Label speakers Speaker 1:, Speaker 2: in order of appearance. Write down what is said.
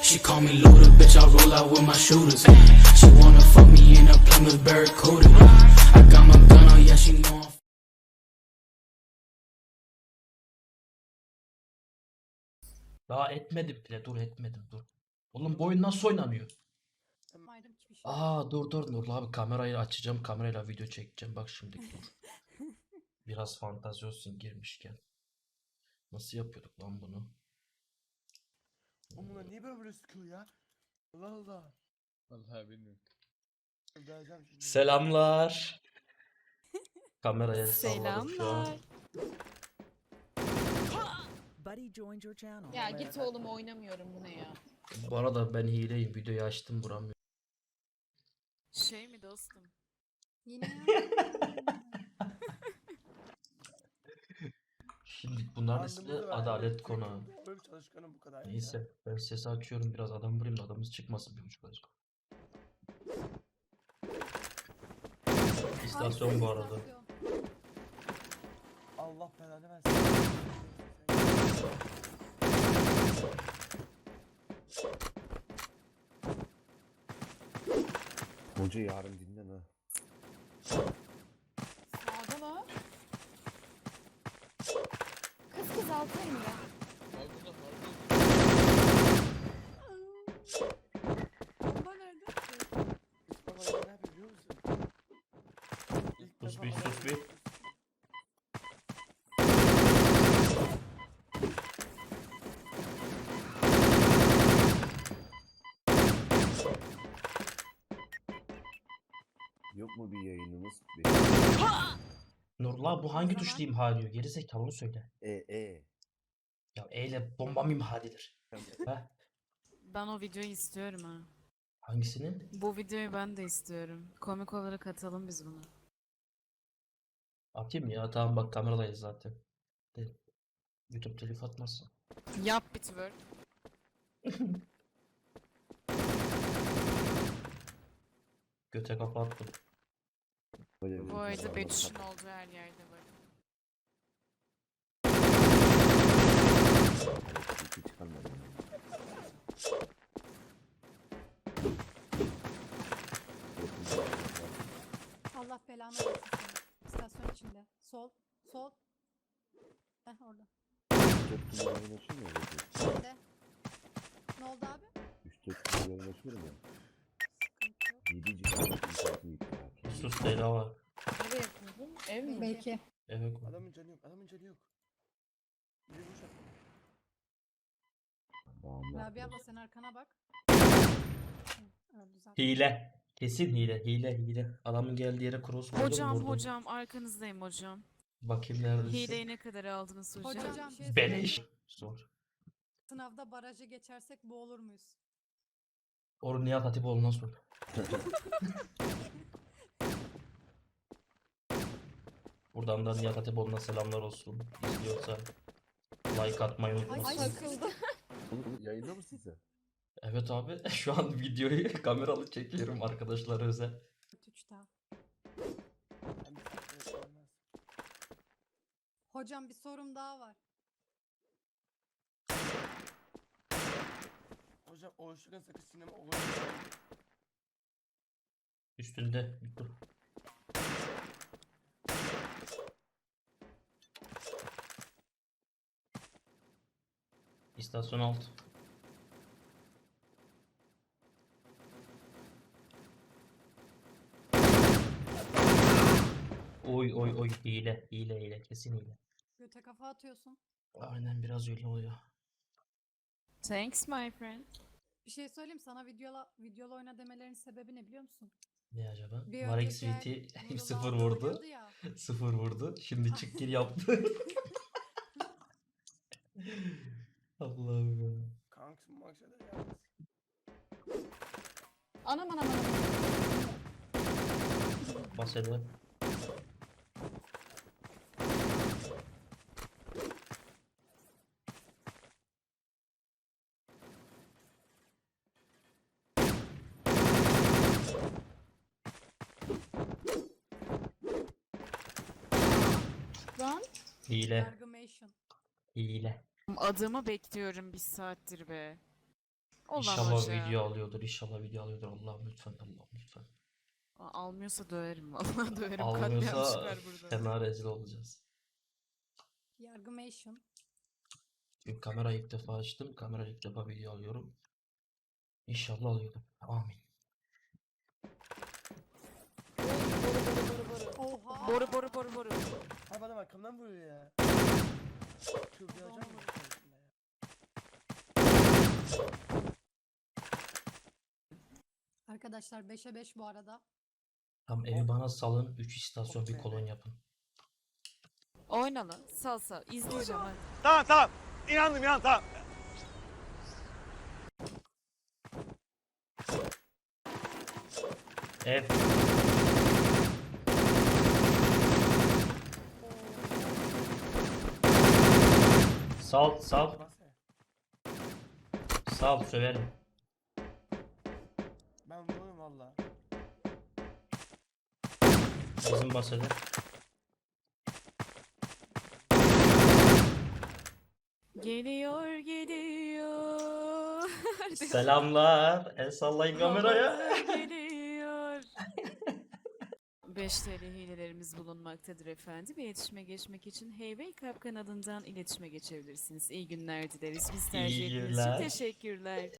Speaker 1: She call me loader, bitch, I roll out with my shooters. She wanna fuck me in a Plymouth Barracuda. I got my gun on, yeah, she know I'm
Speaker 2: Daha etmedim bile. Dur etmedim dur. Oğlum bu oyun nasıl oynanıyor? Dur Nurlu abi kamerayı açacağım. Kamerayla video çekeceğim. Bak şimdi dur. Biraz fantezi olsun girmişken. Nasıl yapıyorduk lan bunu?
Speaker 3: Oğlum bunlar niye böyle sıkıyor ya? Allah Allah.
Speaker 4: Vallahi bilmiyorum.
Speaker 3: Vereceğim şimdi.
Speaker 2: Selamlar. Kameraya salladım şu an.
Speaker 5: Selamlar.
Speaker 6: Buddy joined your channel.
Speaker 5: Ya git oğlum, oynamıyorum bu ne ya?
Speaker 2: Bu arada ben hileyim. Videoyu açtım vuramıyorum.
Speaker 5: Şey mi dostum?
Speaker 7: Yine
Speaker 2: Şimdi bunların ismi
Speaker 3: Bandımızı ver,
Speaker 2: Adalet
Speaker 3: evet,
Speaker 2: Konağı.
Speaker 3: Böyle bir çalışkanım bu kadar.
Speaker 2: Neyse ben sesi açıyorum biraz adam vurayım da adamız çıkmasın 1.5 dakika. İstasyon bu arada.
Speaker 3: Allah belanı versin.
Speaker 4: Hoca yarın dinlen ha.
Speaker 5: Sağda var. Kız altı elimde. Bomba nerede?
Speaker 3: Baba ne yapıyor biliyor musun? İlk
Speaker 2: Sus
Speaker 3: defa
Speaker 2: bir,
Speaker 3: bana-
Speaker 2: sus bir.
Speaker 4: Yok mu bir yayınımız?
Speaker 2: Nurla bu hangi tuşla imha ediyor? Geri zekalı onu söyle.
Speaker 4: E.
Speaker 2: Ya E ile bomba mı imha edilir? Ha?
Speaker 5: Ben o videoyu istiyorum ha.
Speaker 2: Hangisinin?
Speaker 5: Bu videoyu ben de istiyorum. Komik olarak atalım biz bunu.
Speaker 2: Atayım ya tamam bak kameradayız zaten. De, YouTube telif atmazsa.
Speaker 5: Yap bir twerk.
Speaker 2: Göte kafa attım.
Speaker 5: Bu arada Betüş'ün olduğu her yerde var.
Speaker 4: Çıkarmadım.
Speaker 7: Allah belanı versin seni. İstasyon içinde. Sol. Sol. Heh orada.
Speaker 4: 3-4 gün yayın açıyor mu?
Speaker 7: Şimdi. Ne oldu abi?
Speaker 4: 3-4 gün yayın açıyorum ya.
Speaker 7: Sıkıntı yok.
Speaker 4: 7 GB internetim gitti ya.
Speaker 2: Sus Leyla var.
Speaker 5: Nereye yapıyordun? Ev mi?
Speaker 7: Belki.
Speaker 2: Evet.
Speaker 3: Adamın canı yok. Adamın canı yok. Bir de bu şaka.
Speaker 4: Bağımlı.
Speaker 7: Rabia abla sen arkana bak. Hı, öldü zaten.
Speaker 2: Hile. Kesin hile. Adamın geldiği yere cross koydum vurdum.
Speaker 5: Hocam arkanızdayım hocam.
Speaker 2: Bakayım neredesin?
Speaker 5: Hileyi ne kadar aldınız hocam?
Speaker 7: Hocam,
Speaker 2: Beleş. Zor.
Speaker 7: Sınavda barajı geçersek boğulur muyuz?
Speaker 2: Oru Nihat Hatipoğlu'ndan sor. Buradan da Nihat Hatipoğlu'na selamlar olsun. İzliyorsa like atmayı unutmasın.
Speaker 7: takıldı.
Speaker 4: Oğlum yayında mısın sen?
Speaker 2: Evet abi şu an videoyu kameralı çekiyorum arkadaşlar özel.
Speaker 7: 3 daha.
Speaker 3: Ben bir şey yapmaz.
Speaker 7: Hocam bir sorum daha var.
Speaker 3: Hocam o ışıkın sakız sinema olur.
Speaker 2: Üstünde dur. İstasyon alt. Oy hile kesin hile.
Speaker 7: Göte kafa atıyorsun.
Speaker 2: Aynen biraz öyle oluyor.
Speaker 5: Thanks my friend.
Speaker 7: Bir şey söyleyeyim sana videolu oyna demelerinin sebebi ne biliyor musun?
Speaker 2: Ne acaba?
Speaker 7: Bir
Speaker 2: Marek
Speaker 7: önceki
Speaker 2: Sweet'i
Speaker 7: Nurullah
Speaker 2: 0
Speaker 7: abla
Speaker 2: vurdu.
Speaker 7: oynuyordu ya.
Speaker 2: 0 vurdu. Şimdi çık gir yaptı. Allah'ım ya.
Speaker 3: Kanks mı maksada ya?
Speaker 5: Anam.
Speaker 2: Bas hele.
Speaker 5: Lan.
Speaker 2: Hile.
Speaker 7: Yargımation.
Speaker 2: Hile.
Speaker 5: Adımı bekliyorum bir saattir be. Olan
Speaker 2: İnşallah
Speaker 5: hoca.
Speaker 2: video alıyordur. İnşallah video alıyordur. Allah'ım lütfen. Allah'ım lütfen.
Speaker 5: Almıyorsa döverim vallahi döverim. Katliam
Speaker 2: Almıyorsa
Speaker 5: çıkar burada.
Speaker 2: fena rezil olacağız.
Speaker 7: Yargımation.
Speaker 2: Çünkü kamerayı ilk defa açtım. Kamerayı ilk defa video alıyorum. İnşallah alıyordum. Amin.
Speaker 7: Oha.
Speaker 5: Boru boru boru boru.
Speaker 3: Abi adam arkamdan vuruyor ya. Çıldıracağım mı?
Speaker 7: Arkadaşlar 5'e 5 bu arada.
Speaker 2: Tam evi bana salın. 3 istasyon bir
Speaker 3: Okey.
Speaker 2: kolon yapın.
Speaker 5: Oyna lan. Sal sal. İzleyeceğim hadi.
Speaker 8: Tamam tamam. İnandım inan tamam.
Speaker 2: Ev. Sal sal.
Speaker 3: Bas ya.
Speaker 2: Sal söverim.
Speaker 3: Ben vururum valla.
Speaker 2: Bizim basede.
Speaker 5: Geliyor geliyor.
Speaker 2: Selamlar. El sallayın kameraya.
Speaker 5: Havalar geliyor. 5 TL hilelerimiz bulunmaktadır efendim. İletişime geçmek için Hey Club kanalından iletişime geçebilirsiniz. İyi günler dileriz. Biz tercih
Speaker 2: İyi
Speaker 5: ettiğiniz için
Speaker 2: günler.
Speaker 5: teşekkürler.